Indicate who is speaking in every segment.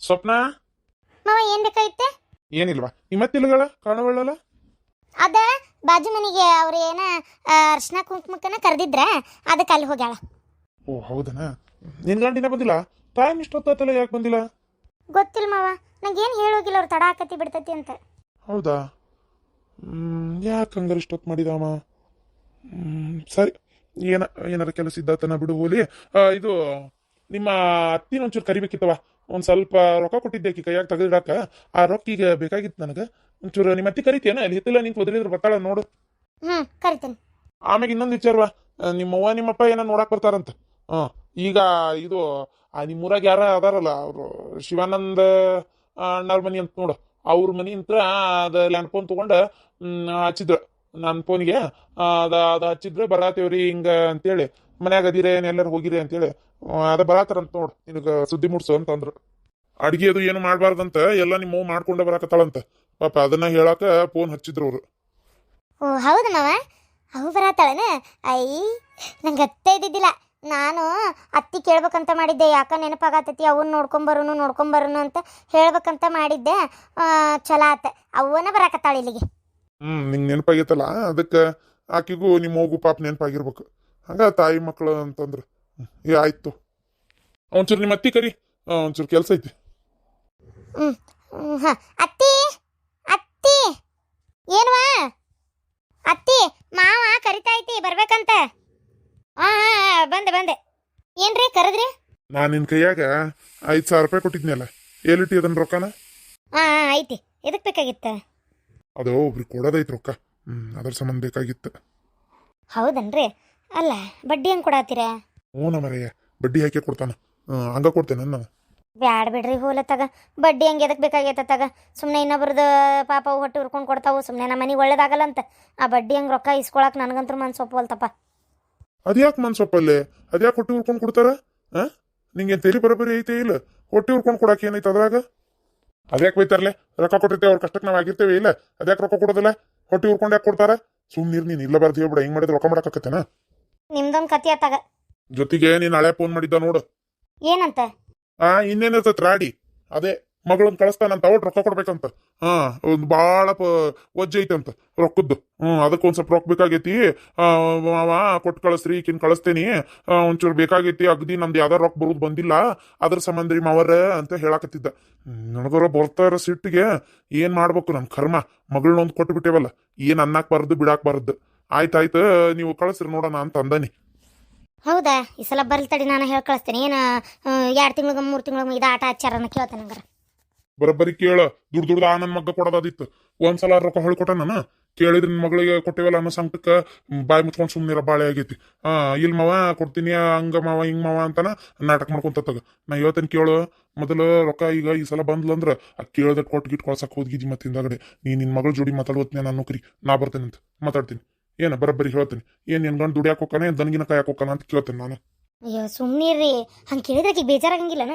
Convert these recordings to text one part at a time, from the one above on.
Speaker 1: ಸ್ವಪ್ನ
Speaker 2: ಮಾವ ಏನ್ ಬೇಕಾಗಿತ್ತೆ?
Speaker 1: ಏನಿಲ್ವಾ ನಿಮ್ಮತ್ತಿಲ್ಗಳ ಕಾಣವಳ್ಳಲ್ಲ.
Speaker 2: ಅದ ಬಾಜು ಮನೆಗೆ ಅವ್ರು ಏನ ಅರ್ಶನ ಕುಂಕುಮಕ್ಕನ ಕರೆದಿದ್ರ, ಅದಕ್ಕೆ ಅಲ್ಲಿ ಹೋಗ್ಯಾಳ.
Speaker 1: ಓ ಹೌದನಾ. ನಿನ್ ಗಂಡಿನ ಬಂದಿಲ್ಲ? ಟೈಮ್ ಇಷ್ಟೊತ್ತಲ್ಲ, ಯಾಕೆ ಬಂದಿಲ್ಲ?
Speaker 2: ಗೊತ್ತಿಲ್ಲ ಮಾವ, ನಂಗೇನು ಹೇಳೋಗಿಲ್ಲ ಅವ್ರು ತಡ ಆಕತಿ ಬಿಡ್ತತಿ ಅಂತ.
Speaker 1: ಹೌದಾ? ಯಾಕೆ ಹಂಗಾರೆ ಇಷ್ಟೊತ್ತು ಮಾಡಿದಮ್ಮ? ಸರಿ, ಏನಾರ ಕೆಲಸ ಇದ್ದಾತನ ಬಿಡು, ಹೋಲಿ. ಇದು ನಿಮ್ಮ ಅತ್ತಿನ ಒಂಚೂರು ಕರಿಬೇಕಿತ್ತವ. ಒಂದು ಸ್ವಲ್ಪ ರೊಕ್ಕ ಕೊಟ್ಟಿದ್ದೆ ಆಕಿ ಕೈಯಾಗ ತೆಗೆದಿಡಾಕ. ಆ ರೊಕ್ಕ ಈಗ ಬೇಕಾಗಿತ್ತು ನನಗೆ. ಒಂಚೂರು ನಿಮ್ಮ ಅತ್ತಿ ಕರಿತೀಯನ? ಅಲ್ಲಿ ಹಿತ್ತಲ ನಿಂತು ಒದರಿದ್ರೆ ಬರ್ತಾಳ ನೋಡು.
Speaker 2: ಕರಿತೇನೆ.
Speaker 1: ಆಮ್ಯಾಗ ಇನ್ನೊಂದು ವಿಚಾರವ, ನಿಮ್ಮವ್ವ ನಿಮ್ಮಪ್ಪ ಏನೋ ನೋಡಕ್ ಬರ್ತಾರಂತ. ಈಗ ಇದು ನಿಮ್ಮೂರಾಗ ಯಾರ ಅದಾರಲ್ಲ, ಅವರು ಶಿವಾನಂದ ಅಣ್ಣವ್ರ ಮನಿ ಅಂತ ನೋಡು, ಅವ್ರ ಮನಿ ಅಂತ ಅದ ಲ್ಯಾಂಡ್ ಫೋನ್ ತಗೊಂಡು ಹಚ್ಚಿದ್ರು ನನ್ನ ಫೋನ್ಗೆ. ಅದ ಹಚ್ಚಿದ್ರೆ ಬರಾತೇವ್ರಿ ಹಿಂಗ ಅಂತೇಳಿ, ಮನ್ಯಾಗ ಅದಿರೇ ಎಲ್ಲರೂ ಹೋಗಿರಿ ಅಂತೇಳಿ ಅದ ಬರಾತಾರಂತ ನೋಡು, ನಿನಗೆ ಸುದ್ದಿ ಮೂಡ್ಸು ಅಂತಂದ್ರು. ಅಡ್ಗೆ ಅದು ಏನು ಮಾಡಬಾರ್ದಂತ ಎಲ್ಲ ನಿಮ್ಮವ್ ಮಾಡ್ಕೊಂಡ ಬರಾಕತ್ತಾಳಂತ ಪಾಪ. ಅದನ್ನ ಹೇಳಾಕ ಫೋನ್ ಹಚ್ಚಿದ್ರು ಅವರು.
Speaker 2: ಓ ಹೌದು ಮಾವ, ಅವು ಬರತ್ತಾಳನ? ನಂಗೆ ಅತ್ತೆ ಇದ್ದಿದ್ದಿಲ್ಲ. ನಾನು ಅತ್ತಿ ಕೇಳ್ಬೇಕಂತ ಮಾಡಿದ್ದೆ, ಯಾಕ ನೆನಪಾಗತ್ತತಿ ಅವನ್ನ ನೋಡ್ಕೊಂಬರೋನು ಅಂತ ಹೇಳ್ಬೇಕಂತ ಮಾಡಿದ್ದೆ. ಚಲೋ ಆತ, ಅವನ ಬರಾಕತ್ತಾಳ ಇಲ್ಲಿಗೆ.
Speaker 1: ನಿಂಗೆ ನೆನಪಾಗೈತಲ್ಲ, ಅದಕ್ಕೆ ಆಕಿಗೂ ನಿಮ್ಮ ಹೋಗು ಪಾಪ ನೆನಪಾಗಿರ್ಬೇಕು. ಹಂಗ ತಾಯಿ ಮಕ್ಕಳು ಅಂತಂದ್ರೆ ಆಯ್ತು. ಒಂಚೂರು ನಿಮ್ಮ ಅತ್ತಿ ಕರಿ, ಒಂಚೂರು ಕೆಲಸ ಐತಿ.
Speaker 2: ಅತ್ತಿ ಅತ್ತಿ ಏನ್ವಾ? ಅತ್ತಿ ಮಾವ ಕರಿತಾ ಐತಿ ಬರ್ಬೇಕಂತ. ಬಂದೆ. ಏನ್ರಿ ಕರೆದ್ರಿ?
Speaker 1: ನಾನು ನಿನ್ನ ಕೈಯಾಗ 5,000 ರೂಪಾಯಿ ಕೊಟ್ಟಿದ್ನಲ್ಲ, ಎಲ್ಲಿಟ್ಟಿ ಅದನ್ನ ರೊಕ್ಕನ?
Speaker 2: ಐತಿ. ಎದಕ್ ಬೇಕಾಗಿತ್ತ?
Speaker 1: ಅದು ಒಬ್ರಿಗೆ ಕೊಡೋದೈತಿ ರೊಕ್ಕ, ಅದ್ರ ಸಂಬಂಧ ಬೇಕಾಗಿತ್ತು.
Speaker 2: ಹೌದನ್ರಿ? ಅಲ್ಲ ಬಡ್ಡಿ ಹೆಂಗ್ ಕೊಡಾತೀರಾ?
Speaker 1: ಹ್ಞೂ ಮರೆಯ, ಬಡ್ಡಿ ಹಾಕಿ ಕೊಡ್ತಾನ. ಹಂಗ ಕೊಡ್ತೇನೆ ನಾನು.
Speaker 2: ಬ್ಯಾಡ ಬಿಡ್ರಿ, ಹೋಲ ತಗ. ಬಡ್ಡಿ ಹಂಗೆ ಎದಕ್ ಬೇಕಾಗೈತ ತಗ. ಸುಮ್ಮನೆ ಇನ್ನೊಬ್ರದ್ದು ಪಾಪ ಅವು ಹೊಟ್ಟೆ ಉರ್ಕೊಂಡು ಕೊಡ್ತಾವು, ಸುಮ್ಮನೆ ನಮ್ಮ ಮನೆಗೆ ಒಳ್ಳೇದಾಗಲ್ಲ ಅಂತ. ಆ ಬಡ್ಡಿ ಹಂಗೆ ರೊಕ್ಕ ಇಸ್ಕೊಳಕ್ ನನಗಂತೂ ಮನ್ಸು ಒಪ್ಪವಲ್ತಪ್ಪ.
Speaker 1: ಅದ್ಯಾಕೆ ಮನ್ಸೊಪ್ಪಲ್ಲೇ? ಅದ್ಯಾಕೆ ಹೊಟ್ಟೆ ಉರ್ಕೊಂಡು ಕೊಡ್ತಾರ? ನಿಂಗೆ ತೆರಿ ಬರೋಬ್ಬರಿ ಐತೆ ಇಲ್ಲ? ಹೊಟ್ಟೆ ಉರ್ಕೊಂಡು ಕೊಡಕ್ಕೆ ಏನೈತೆ ಅದ್ರಾಗ? ಅದ್ಯಾಕೆ ಬೈತಾರಲೆ? ರೊಕ್ಕ ಕೊಟ್ಟಿರ್ತೇವೆ, ಅವ್ರ ಕಷ್ಟಕ್ಕೆ ನಾವು ಆಗಿರ್ತೇವೆ ಇಲ್ಲ? ಅದ್ಯಾಕೆ ರೊಕ್ಕ ಕೊಡೋದಿಲ್ಲ? ಹೊಟ್ಟೆ ಉರ್ಕೊಂಡು ಯಾಕೆ ಕೊಡ್ತಾರ? ಸುಮ್ಮನೆ ನೀನು ಇಲ್ಲ ಬರ್ದು ಹೇಳ್ಬಿಡ, ಹಿಂಗೆ ಮಾಡಿದ್ರೆ ರೊಕ್ಕ ಮಾಡಕತ್ತೇನ?
Speaker 2: ನಿಮ್ದೊಂದು ಕತಿ ಆತಾಗ.
Speaker 1: ಜೊತೆಗೆ ನೀನು ಹಳೆ ಫೋನ್ ಮಾಡಿದ್ದ ನೋಡು.
Speaker 2: ಏನಂತ?
Speaker 1: ಇನ್ನೇನಿರ್ತೈತೆ ರಾಡಿ, ಅದೇ ಮಗಳನ್ನ ಕಳಿಸ್ತಾನಂತ, ಅವ್ರು ರೊಕ್ಕ ಕೊಡ್ಬೇಕಂತ. ಒಂದು ಭಾಳ ವಜ್ಜೆ ಐತಂತ ರೊಕ್ಕದ್ದು. ಅದಕ್ಕೊಂದು ಸ್ವಲ್ಪ ರೊಕ್ಕ ಬೇಕಾಗೈತಿ, ಮಾವ ಕೊಟ್ಟು ಕಳಿಸ್ರಿ, ಈಕಿನ ಕಳಿಸ್ತೇನಿ, ಒಂಚೂರು ಬೇಕಾಗೈತಿ, ಅಗದಿ ನಮ್ದು ಯಾವ್ದಾರು ರೊಕ್ಕ ಬರೋದು ಬಂದಿಲ್ಲ, ಅದ್ರ ಸಂಬಂಧ ರೀ ಮಾವರ ಅಂತ ಹೇಳಾಕತ್ತಿದ್ದ. ನನಗರ ಬರ್ತಾರ ಸಿಟ್ಟಿಗೆ ಏನ್ ಮಾಡ್ಬೇಕು? ನನ್ನ ಕರ್ಮ, ಮಗಳನ್ನೊಂದು ಕೊಟ್ಟು ಬಿಟ್ಟೇವಲ್ಲ, ಏನ್ ಅನ್ನಕ್ಬಾರ್ದು ಬಿಡಾಕ್ಬಾರ್ದು. ಆಯ್ತಾಯ್ತು, ನೀವು ಕಳಿಸ್ರಿ ನೋಡೋಣ ಅಂತ ಅಂದಾನಿ.
Speaker 2: ಹೌದಾ? ಈ ಸಲ ಬರ್ಲಿ ತಡಿ, ನಾನು ಹೇಳಿ ಕಳಿಸ್ತೇನೆ. ಏನು 2 ತಿಂಗಳಿಗೆ 3 ತಿಂಗಳಿಗೆ ಇದು ಆಟ ಆಚಾರನ ಕೇಳ್ತೇನೆ ಹಂಗಾರ.
Speaker 1: ಬರೋಬ್ಬರಿ ಕೇಳ, ದುಡ್ಡು ನನ್ನ ಮಗ್ಗ ಕೊಡೋದಿತ್ತು. ಒಂದ್ಸಲ ರೊಕ್ಕ ಹೊಳ್ಕೊಟ್ಟ ನಾನು ಕೇಳಿದ್ರೆ ನಿನ್ನ ಮಗಳಿಗೆ ಕೊಟ್ಟೇವಲ್ಲ ಅನ್ನೋ ಸಂಕಟಕ್ಕೆ ಬಾಯಿ ಮುಚ್ಕೊಂಡು ಸುಮ್ಮನಿರ ಬಾಳೆ ಆಗೈತಿ. ಇಲ್ಲಿ ಮಾವ ಕೊಡ್ತೀನಿ, ಹಂಗ ಮಾವ ಹಿಂಗ್ ಮಾವ ಅಂತಾನ ನಾಟಕ ಮಾಡ್ಕೊಂತ ತಗ. ನಾ ಹೇಳ್ತೇನೆ ಕೇಳು, ಮೊದಲು ರೊಕ್ಕ ಈಗ ಈ ಸಲ ಬಂದ್ಲಂದ್ರ ಆ ಕೇಳ್ದ ಕೊಟ್ಟು ಗಿಟ್ಟು ಕೊಳ್ಸಕ್ ಹೋದ್ಗಿದ್ದಿ. ಮತ್ತೆ ಹಿಂದಾಗಡೆ ನಿನ್ನ ಮಗಳ ಜೋಡಿ ಮಾತಾಡುವತ್ನೇ ನಾನು ನೌಕರಿ ನಾ ಬರ್ತೇನೆ ಅಂತ ಮಾತಾಡ್ತೀನಿ. ಏನ ಬರೋಬ್ಬರಿ ಹೇಳ್ತೀನಿ. ಏನ್ ನಿನ್ ಗಂಡು ದುಡಿಯಾಕ ಹೋಗ್ತಾನೆ, ದನಗಿನ ಕಾಯಕ್ ಹೋಗ್ತಾನ ಅಂತ ಕೇಳ್ತೇನೆ ನಾನು.
Speaker 2: ಅಯ್ಯೋ ಸುಮ್ಮನಿರ್ರಿ, ಹಂಗೆ ಕೇಳಿದ್ರೆ ಬೇಜಾರಾಗಂಗಿಲ್ಲನ?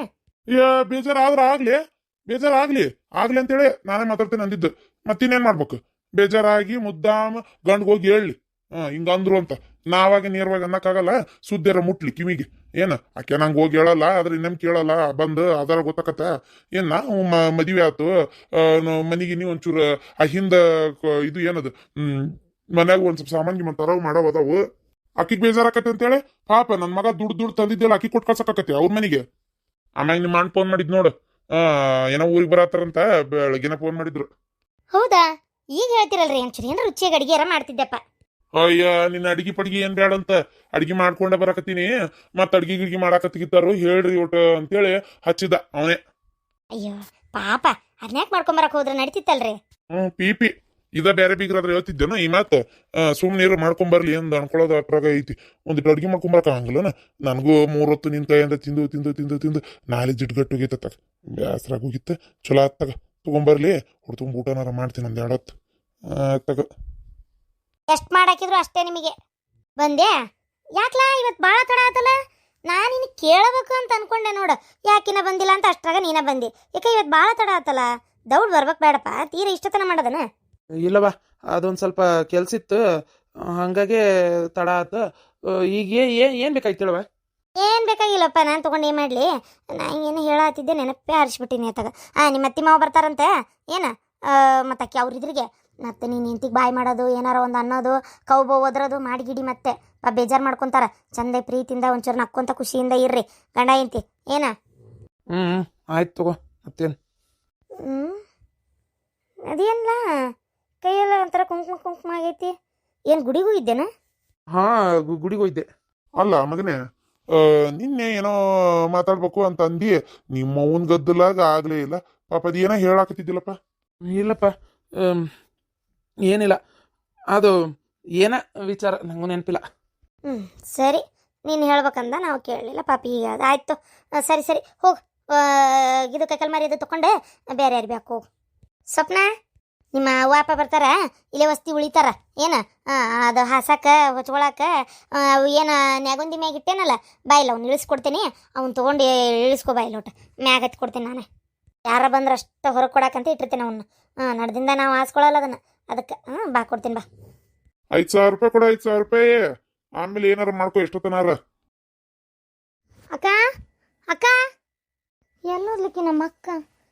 Speaker 1: ಬೇಜಾರಾಗ್ಲಿ ಅಂತೇಳಿ ನಾನೇ ಮಾತಾಡ್ತೇನೆ ಅಂದಿದ್ದು. ಮತ್ತಿನ್ನೇನ್ ಮಾಡ್ಬೇಕು? ಬೇಜಾರಾಗಿ ಮುದ್ದಾಮ ಗಂಡ್ಗೆ ಹೋಗಿ ಹೇಳಿ ಹಿಂಗ ಅಂದ್ರು ಅಂತ ನಾವಾಗ ನೇರವಾಗಿ ಅನ್ನಕ್ಕಾಗಲ್ಲ. ಸುದ್ದಿರ ಮುಟ್ಲಿ ಕಿವಿಗೆ. ಏನ ಆಕೆ ನಂಗೆ ಹೋಗಿ ಹೇಳಲ್ಲ, ಆದ್ರೆ ಇನ್ನೇಮ್ ಕೇಳಲ್ಲ, ಬಂದು ಅದರ ಗೊತ್ತಾಕತ್ತ. ಏನ್ ನಾವು ಮದುವೆ ಆತು, ಮನಿಗೆ ನೀವು ಒಂಚೂರು ಆ ಹಿಂದ ಇದು ಏನದು ಮನ್ಯಾಗ ಒಂದ್ ಸ್ವಲ್ಪ ಸಾಮಾನ್ಯ ಮಂತಾರ ಮಾಡವ್ ಅದಾವು. ಆಕಿಗೆ ಬೇಜಾರಾಕತಿ ಅಂತೇಳಿ ಪಾಪ ನನ್ ಮಗ ದುಡ್ಡು ತಂದಿದ್ದೆಲ್ಲ ಆಕಿ ಕೊಟ್ಟು ಕಳ್ಸಕತಿ ಅವ್ರ ಮನೆಗೆ. ಆಮ್ಯಾಗ ನಿಮ್ಮ ಅಣ್ಣ ಫೋನ್ ಮಾಡಿದ್ ನೋಡು, ಏನೋ ಊರಿಗೆ ಬರತ್ತಾರಂತ, ಬೆಳಗ್ಗೆನ ಫೋನ್ ಮಾಡಿದ್ರು.
Speaker 2: ಹೌದಾ? ಈಗ ಹೇಳ್ತಿರಲ್ರಿ, ಒಂಚೂರು ಏನಾರ ರುಚಿಯಾಗಿ ಅಡಿಗೆ ಯಾರ ಮಾಡ್ತಿದ್ದೆಪ್ಪ.
Speaker 1: ಅಯ್ಯ, ನಿನ್ನ ಅಡಿಗೆ ಪಡಿಗೆ ಏನ್ ಬೇಡ ಅಂತ, ಅಡಿಗೆ ಮಾಡ್ಕೊಂಡೆ ಬರಕತ್ತೀನಿ, ಮತ್ ಅಡ್ಗಿ ಗಿಡ್ಗಿ ಮಾಡಾಕತ್ತಿಗಿತ್ತಾರು ಹೇಳ್ರಿ ಒಟ್ಟು ಅಂತೇಳಿ ಹಚ್ಚಿದ ಅವನೇ.
Speaker 2: ಅಯ್ಯೋ ಪಾಪ, ಅದ್ನ್ಯಾಕ್ ಮಾಡ್ಕೊಂಬರಕ್ ಹೋದ್ರೆ ನಡೀತಿತ್ತಲ್ರಿ.
Speaker 1: ಪಿ ಇದ ಬೇರೆ ಬೀಗ್ರಾದ್ರೆ ಹೇಳ್ತಿದ್ದೇನ ಈ ಮಾತು. ಸುಮ್ನೀರು ಮಾಡ್ಕೊಂಬರ್ಲಿ ಎಂದು ಅನ್ಕೊಳ್ಳೋದು ಅಟ್ರಾಗ ಐತಿ. ಒಂದಿಟ್ಟು ಅಡ್ಗೆ ಮಾಡ್ಕೊಂಬರಕ ಆಗಂಗಿಲ್ಲನ? ನನಗೂ 3 ಹೊತ್ತು ನಿನ್ ಕೈಯಿಂದ ತಿಂದು ನಾಳೆ ಜಿಡ್ಗಟ್ಟು ಹೋಗೈತ. ಬ್ಯಾಸ್ರಾಗ ಹೋಗಿತ್ತ. ಚಲೋ ಆತ್ತಾಗ ತಗೊಂಬರ್ಲಿ, ಹೊಡ್ ತುಂಬ ಊಟನಾರ ಮಾಡ್ತೀನಿ ಒಂದ್ 2 ಹೊತ್ತು ತಗ.
Speaker 2: ಎಷ್ಟ್ ಮಾಡಾಕಿದ್ರು ಅಷ್ಟೇ ನಿಮಗೆ. ಬಂದೆ ಯಾಕ್ಲಾ ಇವತ್ ಬಾಳ ತಡ ಆತಲ್ಲ? ನಾನು ನಿನ್ನ ಕೇಳಬೇಕು ಅಂತ ಅನ್ಕೊಂಡೆ ನೋಡು, ಯಾಕಿನ ಬಂದಿಲ್ಲ ಅಂತ. ಅಷ್ಟ್ರಾಗ ನೀನ ಬಂದಿ. ಯಾಕೆ ಇವತ್ ಬಾಳ ತಡ ಆತಲ್ಲ? ದೌಡ್ ಬರ್ಬೇಕು ಬೇಡಪ್ಪ, ತೀರ ಇಷ್ಟತನ ಮಾಡೋದನ?
Speaker 3: ಇಲ್ಲವಾ, ಅದೊಂದು ಸ್ವಲ್ಪ ಕೆಲ್ಸ ಇತ್ತು, ಹಾಗಾಗಿ ತಡ ಆತ. ಈಗ ಏನು ಬೇಕಾಯ್ತು ಹೇಳವ?
Speaker 2: ಏನು ಬೇಕಾಗಿಲ್ಲಪ್ಪ, ನಾನು ತೊಗೊಂಡು ಏನು ಮಾಡಲಿ? ನಾನು ಏನು ಹೇಳತ್ತಿದ್ದೆ ನೆನಪೇ ಹರಿಸ್ಬಿಟ್ಟಿನಿ ಆತಾಗ. ನಿಮ್ಮ ಅತ್ತಿ ಮಾವ ಬರ್ತಾರಂತೆ ಏನು? ಮತ್ತು ಅಕ್ಕಿ ಅವ್ರಿದ್ರಿಗೆ ಮತ್ತೆ ನೀನು ಇಂತಿಗೆ ಬಾಯ್ ಮಾಡೋದು, ಏನಾರ ಒಂದು ಅನ್ನೋದು, ಕೌಬೋ ಒದ್ರೋದು ಮಾಡಿ ಗಿಡಿ ಮತ್ತೆ ಬೇಜಾರು ಮಾಡ್ಕೊತಾರ. ಚಂದ ಪ್ರೀತಿಯಿಂದ ಒಂಚೂರು ನಕ್ಕೊಂತ ಖುಷಿಯಿಂದ ಇರ್ರಿ ಗಂಡ ಇಂತಿ ಏನ.
Speaker 3: ಆಯ್ತು ತಗೋ, ಮತ್ತೇನು?
Speaker 2: ಅದೇನಿಲ್ಲ, ಕೈಯೆಲ್ಲ ಒಂಥರ ಕುಂಕುಮ ಕುಂಕುಮ ಆಗೈತಿ. ಏನು ಗುಡಿಗೂ ಇದ್ದೇನಾ?
Speaker 3: ಹಾಂ, ಗುಡಿಗೆ ಹೋಯ್ದೆ.
Speaker 1: ಅಲ್ಲ ಮಗನೇ, ನಿನ್ನೆ ಏನೋ ಮಾತಾಡ್ಬೇಕು ಅಂತ ಅಂದಿ, ನಿಮ್ಮ ಅವನ್ ಗದ್ದಲಾಗ ಆಗ್ಲೇ ಇಲ್ಲ. ಪಾಪ ಅದೇನೋ ಹೇಳಾಕತ್ತಿದ್ದಿಲ್ಲಪ್ಪ.
Speaker 3: ಇಲ್ಲಪ್ಪ, ಏನಿಲ್ಲ, ಅದು ಏನ ವಿಚಾರ ನಂಗೂ ನೆನಪಿಲ್ಲ.
Speaker 2: ಸರಿ, ನೀನು ಹೇಳ್ಬೇಕಂದ ನಾವು ಕೇಳಲಿಲ್ಲ ಪಾಪಿ. ಈಗ ಅದು ಆಯಿತು. ಸರಿ ಸರಿ ಹೋಗು. ಇದು ಕೈಕಲ್ ಇದು ತೊಗೊಂಡೆ ಬೇರೆ ಯಾರು ಬೇಕು ಹೋಗು. ಸ್ವಪ್ನ, ನಿಮ್ಮ ವಾಪ ಬರ್ತಾರ, ಇಲ್ಲೇ ವಸ್ತಿ ಉಳಿತಾರ ಏನು? ಅದು ಹಾಸಕ್ಕ ಹೊಚ್ಕೊಳಕ ಏನು ನ್ಯಾಗುಂದಿ ಮ್ಯಾಗ ಇಟ್ಟೇನಲ್ಲ, ಬಾಯಿಲ್ಲ ಅವ್ನು ಇಳಿಸ್ಕೊಡ್ತೀನಿ. ಅವ್ನು ತೊಗೊಂಡು ಇಳಿಸ್ಕೊ ಬಾಯಿಲ್ಲ ಒಟ್ಟು ಮ್ಯಾಗ ಹತ್ತಿ ಕೊಡ್ತೀನಿ ನಾನೇ. ಯಾರ ಬಂದ್ರೆ ಅಷ್ಟು ಹೊರಗೆ ಕೊಡಕ್ಕಂತ ಇಟ್ಟಿರ್ತೀನಿ ಅವನ್ನ. ನಡೆದಿಂದ ನಾವು ಹಾಸ್ಕೊಳ್ಳಲ್ಲ ಅದನ್ನು, ಅದಕ್ಕೆ ಬಾ ಕೊಡ್ತೀನಿ ಬಾ.
Speaker 1: 5,000 ರೂಪಾಯಿ ಕೊಡ, 5,000 ರೂಪಾಯಿ. ಆಮೇಲೆ ಏನಾರ ಮಾಡ್ಕೊ ಎಷ್ಟೊತ್ತನಾರ.
Speaker 2: ಅಕ್ಕ ಅಕ್ಕ, ಎಲ್ಲೋದ್ಲಿಕ್ಕೆ ನಮ್ಮ ಅಕ್ಕ?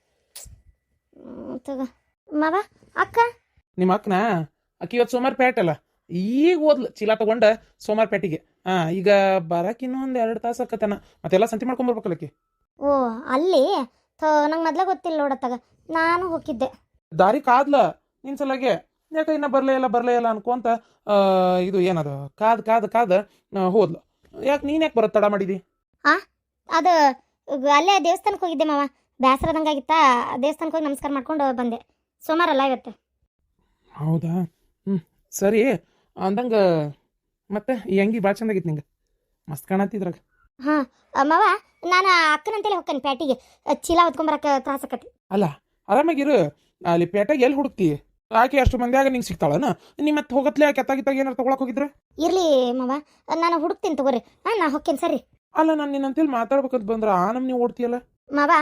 Speaker 2: ತಗ ಮಾವ. ಅಕ್ಕ,
Speaker 3: ನಿಮ್ಮ ಅಕ್ಕನ ಅಕ್ಕಿ ಇವತ್ತು ಸೋಮಾರ್ಪೇಟೆ ಅಲ್ಲ, ಈಗ ಓದ್ಲು ಚೀಲ ತಗೊಂಡ ಸೋಮಾರ್ಪೇಟೆಗೆ. ಈಗ ಬರಕ್ಕೆ ಇನ್ನೊಂದು 2 ತಾಸು ಆಕತನ. ಮತ್ತೆಲ್ಲ ಸಂತಿ ಮಾಡ್ಕೊಂಬರ್ಬೇಕಲ್ಲ ಆಕಿ.
Speaker 2: ಓ ಅಲ್ಲಿ ನಂಗೆ ಮೊದ್ಲ ಗೊತ್ತಿಲ್ಲ ನೋಡತ್ತಾಗ, ನಾನು ಹೋಗಿದ್ದೆ.
Speaker 3: ದಾರಿ ಕಾದ್ಲ ನಿನ್ ಸಲಾಗೆ, ಯಾಕೆ ಇನ್ನ ಬರ್ಲೇ ಇಲ್ಲ ಅನ್ಕೊಂತ ಇದು ಏನದು ಕಾದ್ ಹೋದ್ಲು. ಯಾಕೆ ನೀನ್ ಯಾಕೆ ಬರೋದು ತಡ ಮಾಡಿದಿ?
Speaker 2: ಅದು ಅಲ್ಲೇ ದೇವಸ್ಥಾನಕ್ಕೆ ಹೋಗಿದ್ದೆ ಮಾವ, ಬೇಸರದಂಗಾಗಿತ್ತಾ. ದೇವಸ್ಥಾನಕ್ಕೆ ಹೋಗಿ ನಮಸ್ಕಾರ ಮಾಡ್ಕೊಂಡು ಬಂದೆ. ಸೋಮವಾರ ಅಲ್ಲ ಇವತ್ತು.
Speaker 3: ಹೌದಾ? ಸರಿ ಅಂದಂಗೆ. ಮತ್ತೆ ಈ ಅಂಗಿ ಭಾಳ ಚಂದಾಗಿತ್ತು ನಿಂಗೆ, ಮಸ್ತ್ ಕಾಣತ್ತಿದ್ರಾಗ.
Speaker 2: ಹಾಂ ಮಾವ, ನಾನು ಅಕ್ಕನಂತೇಳಿ ಹೋಗ್ತೇನೆ ಪ್ಯಾಟಿಗೆ. ಚೀಲ ಹೊತ್ಕೊಂಬರಕ್ಕೆ ತ್ರಾಸಕತಿ.
Speaker 3: ಅಲ್ಲ, ಆರಾಮಾಗಿರು. ಅಲ್ಲಿ ಪೇಟೆಗೆ ಎಲ್ಲಿ ಹುಡುಕ್ತಿ? ಆಕೆ ಅಷ್ಟು ಮಂದಿಯಾಗ ನಿಂಗೆ ಸಿಗ್ತಾಳನ? ನಿಮ್ಮ ಮತ್ತೆ ಹೋಗತ್ಲೆ ಕೆತ್ತಾಗಿತ್ತಾಗ ಏನಾರು ತೊಗೊಳಕ್ ಹೋಗಿದ್ರೆ?
Speaker 2: ಇರ್ಲಿ ಮಾವ, ನಾನು ಹುಡುಕ್ತೀನಿ ತಗೋರಿ. ನಾ ಹೋಗ್ತೇನೆ ಸರಿ.
Speaker 3: ಅಲ್ಲ, ನಾನು ನಿನ್ನಂತೇಳಿ ಮಾತಾಡ್ಬೇಕಂತ ಬಂದ್ರೆ ನೀವು ಓಡ್ತೀಯಲ್ಲ
Speaker 2: ಮಾವ.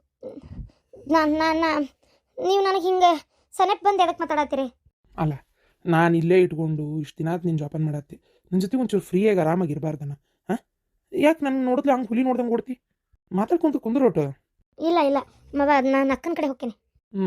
Speaker 2: ನೀವು ನನಗೆ ಹಿಂಗೆ ಸನೆಪ್ ಬಂದು ಎದಕ್ಕೆ ಮಾತಾಡತ್ತೀರಿ?
Speaker 3: ಅಲ್ಲ, ನಾನು ಇಲ್ಲೇ ಇಟ್ಕೊಂಡು ಇಷ್ಟು ದಿನ ನಿನ್ನ ಜೋಪಾನ ಮಾಡತ್ತಿ, ನನ್ನ ಜೊತೆ ಒಂಚೂರು ಫ್ರೀಯಾಗಿ ಆರಾಮಾಗಿರ್ಬಾರ್ದನ? ಯಾಕೆ ನನ್ನ ನೋಡಿದ್ಲೆ ಹಂಗೆ ಹುಲಿ ನೋಡ್ದಂಗೆ ಕೊಡ್ತಿ? ಮಾತಾಡ್ಕೊಂತ ಕುಂದ್ರೋಟು.
Speaker 2: ಇಲ್ಲ ಮಾವ, ನಾನು ಅಕ್ಕನ ಕಡೆ ಹೋಗ್ತೇನೆ.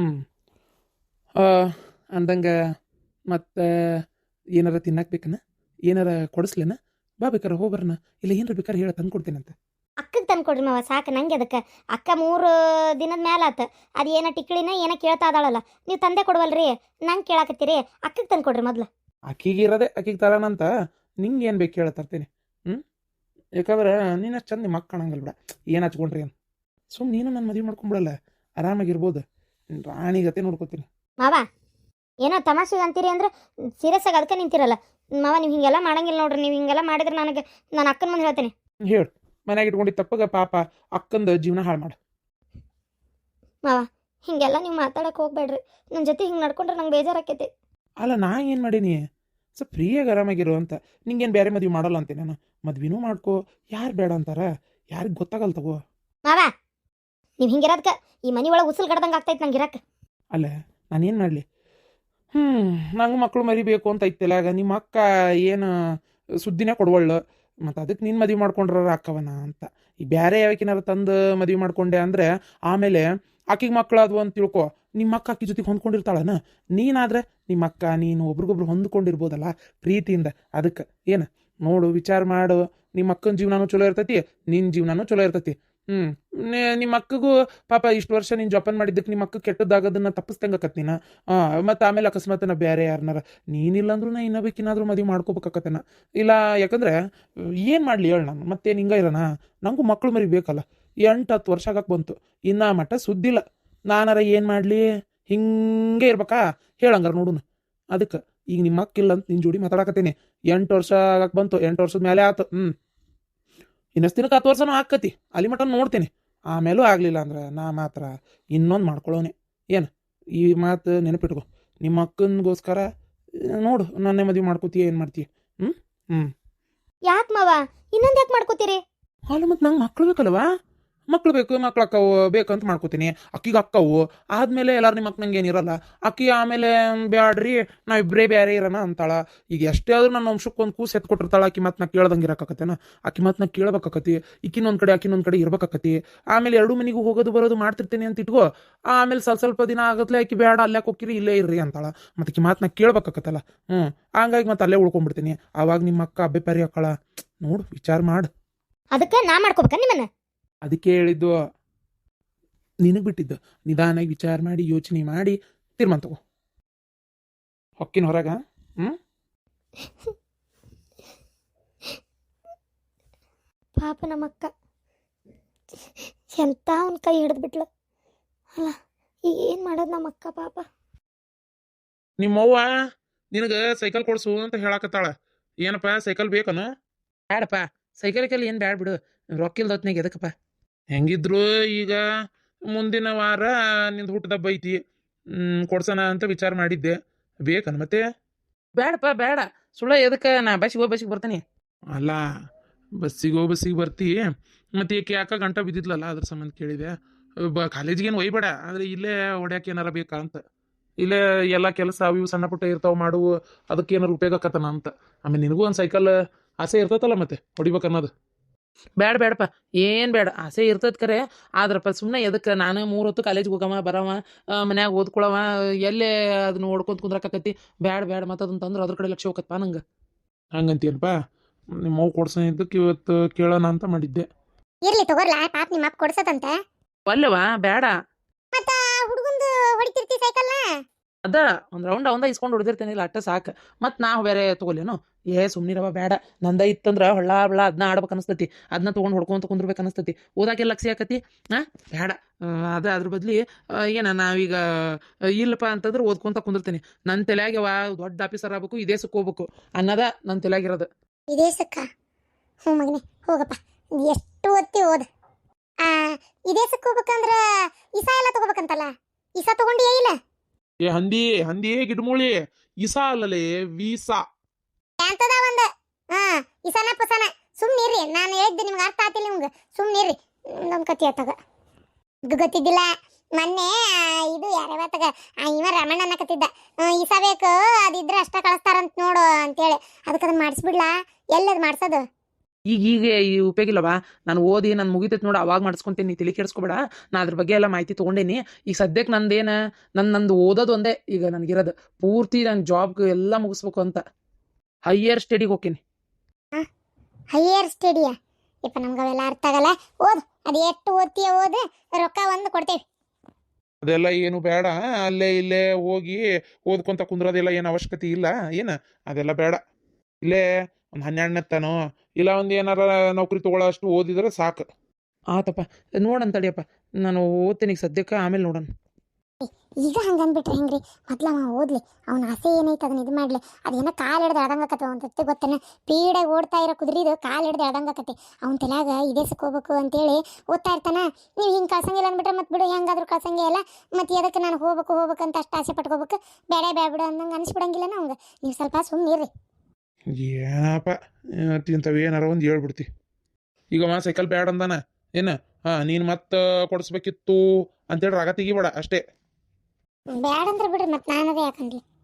Speaker 3: ಅಂದಂಗೆ ಮತ್ತೆ ಏನಾರ ತಿನ್ನಕ್ಕೆ ಬೇಕನ? ಏನಾರ ಕೊಡಿಸ್ಲೇನ? ಬಾ ಬೇಕಾರೆ ಹೋಗ್ಬರ್ನ, ಇಲ್ಲ ಏನಾರ ಬೇಕಾರೆ ಹೇಳ ತಂದು ಕೊಡ್ತೇನಂತೆ.
Speaker 2: ಅಕ್ಕಗೆ ತಂದು ಕೊಡ್ರಿ ಮಾವ, ಸಾಕು ನಂಗೆ. ಅದಕ್ಕೆ ಅಕ್ಕ 3 ದಿನದ ಮೇಲೆ ಆತ. ಅದು ಏನೋ ಟಿಕ್ಳಿನ ಏನೋ ಕೇಳ್ತಾ ಇದ್ದಾಳಲ್ಲ, ನೀವು ತಂದೆ ಕೊಡ್ವಲ್ರಿ, ನಂಗೆ ಕೇಳಾಕತ್ತೀರಿ. ಅಕ್ಕಗೆ ತಂದು ಕೊಡ್ರಿ ಮೊದಲು.
Speaker 3: ಅಕ್ಕಿಗೆ ಇರೋದೆ ಅಕ್ಕಿಗೆ ತರೋಣಂತ. ನಿಂಗೆ ಏನು ಬೇಕು ಹೇಳ ತರ್ತೇನೆ. ಯಾಕಂದ್ರೆ ನೀನು ಚಂದ ನಿಮ್ಮ ಅಕ್ಕ ಕಾಣಂಗಲ್ಲ ಬಿಡ. ಏನು ಹಚ್ಕೊಂಡ್ರಿ ಏನು ಸುಮ್ಮನೆ ನೀನು ನನ್ನ ಮದುವೆ ಮಾಡ್ಕೊಂಬಿಡಲ್ಲ, ಆರಾಮಾಗಿರ್ಬೋದು. ರಾಣಿಗತೆ ನೋಡ್ಕೋತೀನಿ.
Speaker 2: ಮಾವ, ಏನೋ ತಮಾಷೆಗೆ ಅಂತೀರಿ ಅಂದ್ರೆ ಸೀರಿಯಸ್ ಆಗಿ ಅದಕ್ಕೆ ನಿಂತಿರಲ್ಲ ಮಾವ. ನೀವು ಹಿಂಗೆಲ್ಲ ಮಾಡಂಗಿಲ್ಲ ನೋಡ್ರಿ. ನೀವು ಹಿಂಗೆಲ್ಲ ಮಾಡಿದ್ರೆ ನನಗೆ ನಾನು ಅಕ್ಕನ ಮುಂದೆ ಹೇಳ್ತೇನೆ.
Speaker 3: ಹೇಳು, ಮನ್ಯಾಗ ಇಟ್ಕೊಂಡಿದ್ದು ತಪ್ಪಗ ಪಾಪ ಅಕ್ಕಂದು ಜೀವನ ಹಾಳು ಮಾಡು.
Speaker 2: ಮಾವ, ಹಿಂಗೆಲ್ಲ ನೀವು ಮಾತಾಡಕ್ಕೆ ಹೋಗ್ಬೇಡ್ರಿ. ನನ್ನ ಜೊತೆ ಹಿಂಗೆ ನಡ್ಕೊಂಡ್ರೆ ನಂಗೆ ಬೇಜಾರಾಕೈತಿ.
Speaker 3: ಅಲ್ಲ, ನಾ ಏನು ಮಾಡೀನಿ? ಸ್ವಲ್ಪ ಫ್ರೀಯಾಗಿ ಆರಾಮಾಗಿರು ಅಂತ. ನಿಂಗೇನು ಬೇರೆ ಮದುವೆ ಮಾಡಲ್ಲ ಅಂತೀನಿ ನಾನು. ಮದ್ವೆನೂ ಮಾಡ್ಕೋ, ಯಾರು ಬೇಡ ಅಂತಾರ? ಯಾರಿಗೆ ಗೊತ್ತಾಗಲ್ಲ ತಗೋ.
Speaker 2: ಮಾವ, ನೀವು ಹಿಂಗಿರೋದಕ್ಕೆ ಈ ಮನೆ ಒಳಗೆ ಉಸಿಲ್ ಗಡ್ದಂಗೆ ಆಗ್ತೈತೆ ನಂಗೆ ಇರಕ್ಕೆ.
Speaker 3: ಅಲ್ಲ, ನಾನೇನು ಮಾಡಲಿ? ನಂಗೆ ಮಕ್ಕಳು ಮರಿಬೇಕು ಅಂತ ಐತಿಲ್ಲ. ಆಗ ನಿಮ್ಮ ಅಕ್ಕ ಏನು ಸುದ್ದಿನೇ ಕೊಡ್ವಳ್ಳು. ಮತ್ತು ಅದಕ್ಕೆ ನೀನು ಮದುವೆ ಮಾಡ್ಕೊಂಡ್ರ ಅಕ್ಕವನ ಅಂತ. ಈ ಬೇರೆ ಯಾವಕ್ಕೇನಾರು ತಂದು ಮದುವೆ ಮಾಡ್ಕೊಂಡೆ ಅಂದರೆ ಆಮೇಲೆ ಆಕಿಗೆ ಮಕ್ಕಳಾದ್ವು ಅಂತ ತಿಳ್ಕೊ. ನಿಮ್ಮ ಅಕ್ಕ ಆಕಿ ಜೊತೆಗೆ ಹೊಂದ್ಕೊಂಡಿರ್ತಾಳನ? ನೀನಾದ್ರೆ ನಿಮ್ಮ ಅಕ್ಕ ನೀನು ಒಬ್ರಿಗೊಬ್ರು ಹೊಂದ್ಕೊಂಡಿರ್ಬೋದಲ್ಲ ಪ್ರೀತಿಯಿಂದ. ಅದಕ್ಕೆ ಏನು ನೋಡು, ವಿಚಾರ ಮಾಡು. ನಿಮ್ಮ ಅಕ್ಕನ ಜೀವನನೂ ಚಲೋ ಇರ್ತೈತಿ, ನಿನ್ನ ಜೀವನನೂ ಚಲೋ ಇರ್ತೈತಿ. ನಿಮ್ಮ ಅಕ್ಕಗೂ ಪಾಪ ಇಷ್ಟು ವರ್ಷ ನೀನು ಜೋಪಾನ ಮಾಡಿದ್ದಕ್ಕೆ ನಿಮ್ಮ ಅಕ್ಕ ಕೆಟ್ಟದ್ದಾಗೋದನ್ನ ತಪ್ಪಿಸ್ದಂಗಕತ್ ನೀನು. ಮತ್ತು ಆಮೇಲೆ ಅಕಸ್ಮಾತ್ ನಾ ಬೇರೆ ಯಾರನ್ನಾರ ನೀನಿಲ್ಲಾಂದ್ರೂ ನಾ ಇನ್ನೊಬೇಕಿನಾದ್ರೂ ಮದುವೆ ಮಾಡ್ಕೋಬೇಕಾಕತ್ತೇನ ಇಲ್ಲ. ಯಾಕಂದ್ರೆ ಏನು ಮಾಡಲಿ ಹೇಳಿ, ನಾನು ಮತ್ತೇನು ಹಿಂಗೆ ಇರೋಣ? ನನಗೂ ಮಕ್ಕಳು ಮರಿ ಬೇಕಲ್ಲ. 8-10 ವರ್ಷ ಆಗಕ್ಕೆ ಬಂತು, ಇನ್ನು ಮಟ್ಟ ಸುದ್ದಿಲ್ಲ. ನಾನಾರ ಏನು ಮಾಡಲಿ? ಹಿಂಗೆ ಇರ್ಬೇಕಾ? ಹೇಳಂಗಾರ ನೋಡುನು. ಅದಕ್ಕೆ ಈಗ ನಿಮ್ಮ ಅಕ್ಕಿಲ್ಲ ಅಂತ ನಿನ್ನ ಜೋಡಿ ಮಾತಾಡಕತ್ತೀನಿ. 8 ವರ್ಷ ಆಗಕ್ಕೆ ಬಂತು, 8 ವರ್ಷದ ಮೇಲೆ ಆಯ್ತು. ಇನ್ನಷ್ಟು ದಿನಕ್ಕೆ 10 ವರ್ಷನೂ ಆಕತಿ. ಅಲ್ಲಿ ಮಟ್ಟ ನೋಡ್ತೀನಿ. ಆಮೇಲೂ ಆಗಲಿಲ್ಲ ಅಂದ್ರೆ ನಾ ಮಾತ್ರ ಇನ್ನೊಂದು ಮಾಡ್ಕೊಳ್ಳೋನೆ. ಏನು ಈ ಮಾತು ನೆನಪಿಟ್ಕೊ. ನಿಮ್ಮ ಅಕ್ಕನಿಗೋಸ್ಕರ ನೋಡು, ನನ್ನೇ ಮದುವೆ ಮಾಡ್ಕೋತೀಯ, ಏನು ಮಾಡ್ತೀಯ?
Speaker 2: ಯಾಕೆ ಮಾವ ಇನ್ನೊಂದು ಯಾಕೆ ಮಾಡ್ಕೋತೀರಿ?
Speaker 3: ಅಲ್ಲ, ಮತ್ತು ನಂಗೆ ಮಕ್ಕಳು ಬೇಕಲ್ವಾ? ಮಕ್ಳು ಬೇಕು, ಮಕ್ಳು ಅಕ್ಕವು ಬೇಕಂತ ಮಾಡ್ಕೋತೀನಿ. ಅಕ್ಕಿಗೆ ಅಕ್ಕವು ಆದ್ಮೇಲೆ ಎಲ್ಲಾರು ನಿಮ್ಮ ಅಕ್ಕನಂಗೆ ಏನಿರಲ್ಲ. ಅಕ್ಕಿ ಆಮೇಲೆ ಬ್ಯಾಡ್ರಿ ನಾವಿಬ್ಬರೇ ಬೇರೆ ಇರೋಣ ಅಂತಾಳ. ಈಗ ಎಷ್ಟೇ ಆದ್ರೂ ನನ್ನ ವಂಶಕ್ಕೆ ಒಂದು ಕೂಸು ಎತ್ಕೊಟ್ಟಿರ್ತಾಳ. ಆಕಿ ಮಾತು ನಾ ಕೇಳ್ದಂಗೆ ಇರಕತ್ತೇನ? ಆಕಿ ಮಾತು ನಾ ಕೇಳ್ಬೇಕಾಕತಿ. ಈಕಿನೊಂದ್ ಕಡೆ ಆಕಿನೊಂದ್ ಕಡೆ ಇರ್ಬೇಕಾಕತಿ. ಆಮೇಲೆ ಎರಡು ಮನೆಗೂ ಹೋಗೋದು ಬರೋದು ಮಾಡ್ತಿರ್ತೀನಿ ಅಂತ ಇಟ್ಕೋ. ಆಮೇಲೆ ಸ್ವಲ್ಪ ದಿನ ಆಗತ್ಲೆ ಆಕಿ ಬೇಡ ಅಲ್ಲೇ ಹೋಗಿರಿ ಇಲ್ಲೇ ಇರ್ರಿ ಅಂತಾಳ. ಮತ್ತೆ ಆಕಿ ಮಾತು ನಾ ಕೇಳ್ಬೇಕಾಕತ್ತಲ್ಲ. ಹಂಗಾಗಿ ಮತ್ತೆ ಅಲ್ಲೇ ಉಳ್ಕೊಂಡ್ಬಿಡ್ತೀನಿ. ಆವಾಗ ನಿಮ್ಮ ಅಕ್ಕ ಅಬ್ಬೆ ಪರಿ ಹಾಕಳ. ನೋಡು, ವಿಚಾರ ಮಾಡು.
Speaker 2: ಅದಕ್ಕೆ ನಾ ಮಾಡ್ಕೋಬೇಕ ನಿಮ್ಮನ್ನ?
Speaker 3: ಅದಕ್ಕೆ ಹೇಳಿದ್ದು, ನಿನಗೆ ಬಿಟ್ಟಿದ್ದು. ನಿಧಾನಾಗಿ ವಿಚಾರ ಮಾಡಿ ಯೋಚನೆ ಮಾಡಿ ತೀರ್ಮಾನ ತಗೋ. ಹೊಕ್ಕಿನ ಹೊರಗ.
Speaker 2: ಪಾಪ ನಮ್ಮಕ್ಕ ಎಂತ ಅವ್ನ ಕೈ ಹಿಡಿದು ಬಿಟ್ಲು ಅಲ್ಲ. ಈಗ ಏನು ಮಾಡೋದು ನಮ್ಮಕ್ಕ ಪಾಪ.
Speaker 3: ನಿಮ್ಮವ್ವ ನಿನಗೆ ಸೈಕಲ್ ಕೊಡ್ಸು ಅಂತ ಹೇಳಕತ್ತಾಳ. ಏನಪ್ಪ ಸೈಕಲ್ ಬೇಕನು? ಬ್ಯಾಡಪ್ಪ, ಸೈಕಲ್ ಏನು ಬ್ಯಾಡ ಬಿಡು. ರೊಕ್ಕಿಲ್ದತ್ನಾಗ ಎದಕ್ಕಪ್ಪ? ಹೆಂಗಿದ್ರು ಈಗ ಮುಂದಿನ ವಾರ ನಿಂದು ಹುಟ್ಟದಬ್ಬ ಐತಿ. ಕೊಡ್ಸೋಣ ಅಂತ ವಿಚಾರ ಮಾಡಿದ್ದೆ. ಬೇಕನ ಮತ್ತೆ? ಬೇಡಪ್ಪ ಬೇಡ, ಸುಳ್ಳ ಎದಕ್ಕೆ? ನಾ ಬಸ್ಸಿಗೆ ಬರ್ತೀನಿ. ಅಲ್ಲ, ಬಸ್ಸಿಗೆ ಬರ್ತಿ. ಮತ್ತೆ ಈಕೆ ಯಾಕ ಗಂಟ ಬಿದ್ದಿದ್ಲಲ್ಲ, ಅದ್ರ ಸಂಬಂಧ ಕೇಳಿದೆ. ಕಾಲೇಜಿಗೇನು ಒಯ್ಬೇಡ, ಆದರೆ ಇಲ್ಲೇ ಹೊಡ್ಯಾಕೆ ಏನಾರ ಬೇಕಾ ಅಂತ. ಇಲ್ಲೇ ಎಲ್ಲ ಕೆಲಸ ಅವು ಇವು ಸಣ್ಣ ಪುಟ್ಟ ಇರ್ತಾವೆ ಮಾಡುವು, ಅದಕ್ಕೆ ಏನಾರು ಉಪಯೋಗ ಆಕತ್ತನ ಅಂತ. ಆಮೇಲೆ ನಿನಗೂ ಒಂದು ಸೈಕಲ್ ಆಸೆ ಇರ್ತೈತಲ್ಲ ಮತ್ತೆ ಹೊಡಿಬೇಕನ್ನೋದು. ಬೇಡಪ್ಪ, ಏನು ಬೇಡ. ಆಸೆ ಇರ್ತೈತೆ ಕರೆ, ಆದ್ರಪ್ಪ ಸುಮ್ಮನೆ ಎದಕ್ಕೆ? ನಾನು 3 ಹೊತ್ತು ಕಾಲೇಜಿಗೆ ಹೋಗವ ಬರವ, ಮನ್ಯಾಗ ಓದ್ಕೊಳವ, ಎಲ್ಲೇ ಅದನ್ನ ಓಡ್ಕೊಂತ ಕುಂದ್ರಕತ್ತಿ. ಬೇಡ ಮತ್ತೆ ಅದನ್ನ ತಂದ್ರೆ ಅದ್ರ ಕಡೆ ಲಕ್ಷ ಹೋಗತ್ತಪ್ಪ ನಂಗೆ. ಹಂಗಂತೀಯನಪ್ಪ? ನಿಮ್ಮ ಮಗು ಕೊಡ್ಸೋದಕ್ಕೆ ಇವತ್ತು ಕೇಳೋಣ ಅಂತ ಮಾಡಿದ್ದೆ.
Speaker 2: ಇರ್ಲಿ ತಗೋರ್ಲ, ಪಾಪ ನಿಮ್ಮ ಅಪ್ಪ ಕೊಡ್ಸದಂತ.
Speaker 3: ಅಲ್ಲವಾ ಬೇಡ.
Speaker 2: ಮತ್ತ ಹುಡುಗಂದು ಹೊಡಿತಿರ್ತಿ ಸೈಕಲ್ನ?
Speaker 3: ಅದ ಒಂದು ರೌಂಡ್ ಅವಂದ ಇಸ್ಕೊಂಡು ಹೊಡೆದಿರ್ತೇನಿಲ್ಲ, ಅಟ್ಟ ಸಾಕು. ಮತ್ತು ನಾವು ಬೇರೆ ತೊಗೊಲೇನು? ಸುಮ್ಮನಿರವ ಬೇಡ. ನಂದ ಇತ್ತಂದ್ರೆ ಹೊಳ್ಳ ಬಳ್ಳ ಅದನ್ನ ಆಡ್ಬೇಕು ಅನಿಸ್ತತಿ. ಅದನ್ನ ತೊಗೊಂಡು ಹೊಡ್ಕೊಂತ ಕುಂದ್ರಬೇಕು ಅನಿಸ್ತತಿ. ಓದಾಕೆ ಲಕ್ಷ್ಯ ಆಕತಿ. ಬೇಡ. ಅದ್ರ ಬದ್ಲಿ ನಾವೀಗ ಇಲ್ಲಪ್ಪ ಅಂತಂದ್ರೆ ಓದ್ಕೊಂತ ಕುಂದಿರ್ತೀನಿ. ನನ್ನ ತಲೆಯಾಗ್ಯವ ದೊಡ್ಡ ಆಫೀಸರ್ ಆಗ್ಬೇಕು, ಇದೇಸಕ್ಕೆ ಹೋಗ್ಬೇಕು ಅನ್ನೋದ ನನ್ನ ತಲೆಯಾಗಿರೋದು.
Speaker 2: ಇದೇಸಕ್ಕ? ಹ್ಞೂ ಮಗನೇ ಹೋಗಪ್ಪ, ಎಷ್ಟು ಓದ್ತಿ ಓದ. ಇದೇಸಕ್ಕೆ ಹೋಗ್ಬೇಕಂದ್ರ ಇಸಾ ಎಲ್ಲ ತಗೋಬೇಕಂತಲ್ಲ, ಇಸಾ ತಗೊಂಡಿಯೇ ಇಲ್ಲ?
Speaker 3: ಹಂದಿ ಗಿಡ್ಮೂಳಿ. ಇಸಾ ಅಲ್ಲಲೇ, ವೀಸಾ
Speaker 2: ಅಂತದ ಒಂದ. ಇಸಾನ ಪಸಾನ ಸುಮ್ನಿರ್ರಿ. ನಾನು ಹೇಳಿದ್ದೆ ನಿಮ್ಗೆ ಅರ್ಥ ಆತಿಲ್ಲ ನಿಮ್ಗೆ. ಸುಮ್ನಿರ್ರಿ, ನಮ್ಮ ಕತಿ ಆತಾಗ ಗೊತ್ತಿದ್ದಿಲ್ಲ. ಮೊನ್ನೆ ಇದು ಯಾರವತ್ತಾಗ ಇವ ರಮಣ್ಣ ಅನ್ನಕತ್ತಿದ್ದ, ಇಸಾ ಬೇಕು ಅದಿದ್ರೆ ಅಷ್ಟ ಕಳಿಸ್ತಾರಂತ ನೋಡು ಅಂತೇಳಿ. ಅದಕ್ಕೆ ಅದನ್ನ ಮಾಡಿಸ್ಬಿಡ್ಲಾ? ಎಲ್ಲದು ಮಾಡ್ಸೋದು?
Speaker 3: ಈಗ ಈ ಉಪಯೋಗ ಇಲ್ಲವಾ? ನಾನು ಓದಿ ನಾನು ಮುಗಿತೈತೆ ನೋಡು, ಅವಾಗ ಮಾಡಿಸ್ಕೊಂತೀನಿ. ತಲೆ ಕೆಡಿಸ್ಕೊಬೇಡ. ನಾ ಅದ್ರ ಬಗ್ಗೆ ಎಲ್ಲ ಮಾಹಿತಿ ತೊಗೊಂಡೇನಿ. ಈಗ ಸದ್ಯಕ್ಕೆ ನಂದು ಓದೋದು ಒಂದೇ ಈಗ ನನಗಿರೋದು. ಪೂರ್ತಿ ನಾನು ಜಾಬ್ಗೆ ಎಲ್ಲ ಮುಗಿಸ್ಬೇಕು ಅಂತ ಹೈಯರ್ ಸ್ಟಡಿಗೆ ಹೋಗ್ತೀನಿ.
Speaker 2: ಹೈಯರ್ ಸ್ಟಡಿಯಾ? ಇಪ್ಪ ನಮ್ಗೆ ಅವೆಲ್ಲ ಅರ್ಥ ಆಗಲ್ಲ. ಓದು, ಅದು ಎಷ್ಟು ಓದ್ತೀಯ ಓದು, ರೊಕ್ಕ ಒಂದು ಕೊಡ್ತೇವೆ.
Speaker 3: ಅದೆಲ್ಲ ಏನು ಬೇಡ. ಅಲ್ಲೇ ಇಲ್ಲೇ ಹೋಗಿ ಓದ್ಕೊಂತ ಕುಂದ್ರೋದೆಲ್ಲ ಏನು ಅವಶ್ಯಕತೆ ಇಲ್ಲ. ಅದೆಲ್ಲ ಬೇಡ. ಇಲ್ಲೇ ಒಂದು 12ನೇ ತನೋ ಇಲ್ಲ ಒಂದು ಏನಾರ ನೌಕರಿ ತೊಗೊಳ್ಳೋ ಅಷ್ಟು ಓದಿದ್ರೆ ಸಾಕು. ಆತಪ್ಪ, ನೋಡಂತಡಿಯಪ್ಪ. ನಾನು ಓದ್ತೀನಿ ಈಗ ಸದ್ಯಕ್ಕೆ, ಆಮೇಲೆ ನೋಡೋಣ.
Speaker 2: ಈಗ ಹಂಗೆ ಅಂದ್ಬಿಟ್ರೆ ಹೆಂಗ್ರಿ? ಮೊದ್ಲು ಅವ ಓದ್ಲಿ, ಅವನ ಆಸೆ ಏನೈತೆ ಅದನ್ನ ಇದು ಮಾಡ್ಲಿ. ಅದೇನೋ ಕಾಲು ಹಿಡ್ದು ಎಳ್ದಂಗಕತ್ತೆ ಒಂದು ಗೊತ್ತೇನೆ. ಪೀಡಾಗಿ ಓಡ್ತಾ ಇರೋ ಕುದುರಿದು ಕಾಲು ಹಿಡ್ದು ಎಳ್ದಂಗಕತ್ತೆ. ಅವನ ತಲೆಯಾಗ ಇದೇಸಕ್ಕೆ ಹೋಗ್ಬೇಕು ಅಂತೇಳಿ ಓದ್ತಾ ಇರ್ತಾನ. ನೀವು ಹಿಂಗೆ ಕಳ್ಸಂಗಿಲ್ಲ ಅಂದ್ಬಿಟ್ರೆ ಮತ್ತೆ ಬಿಡು, ಹೆಂಗಾದ್ರೂ ಕಳ್ಸಂಗೇ ಇಲ್ಲ. ಮತ್ತು ಎದಕ್ಕೆ ನಾನು ಹೋಗ್ಬೇಕಂತ ಅಷ್ಟು ಆಸೆ ಪಟ್ಕೋಬೇಕು? ಬೇಡ ಬಿಡು ಅಂದಂಗೆ ಅನಿಸ್ಬಿಡಂಗಿಲ್ಲ ನಮ್ಗೆ. ನೀವು ಸ್ವಲ್ಪ ಸುಮ್ಮನಿರ್ರಿ.
Speaker 3: ಏನಪ್ಪ ಇಂಥವು ಏನಾರ ಒಂದು ಹೇಳ್ಬಿಡ್ತಿ. ಈಗ ಸೈಕಲ್ ಬ್ಯಾಡ ಅಂದಾನ ನೀನು ಮತ್ತೆ ಕೊಡಿಸ್ಬೇಕಿತ್ತು ಅಂತೇಳಿ ರಾಗ ತೆಗಿಬೇಡ ಅಷ್ಟೇ.
Speaker 2: ಬ್ಯಾಡ ಅಂದ್ರೆ ಬಿಡ್ರಿ, ಮತ್ತೆ ನಾನದೇ ಯಾಕಂದ್ಲಿ.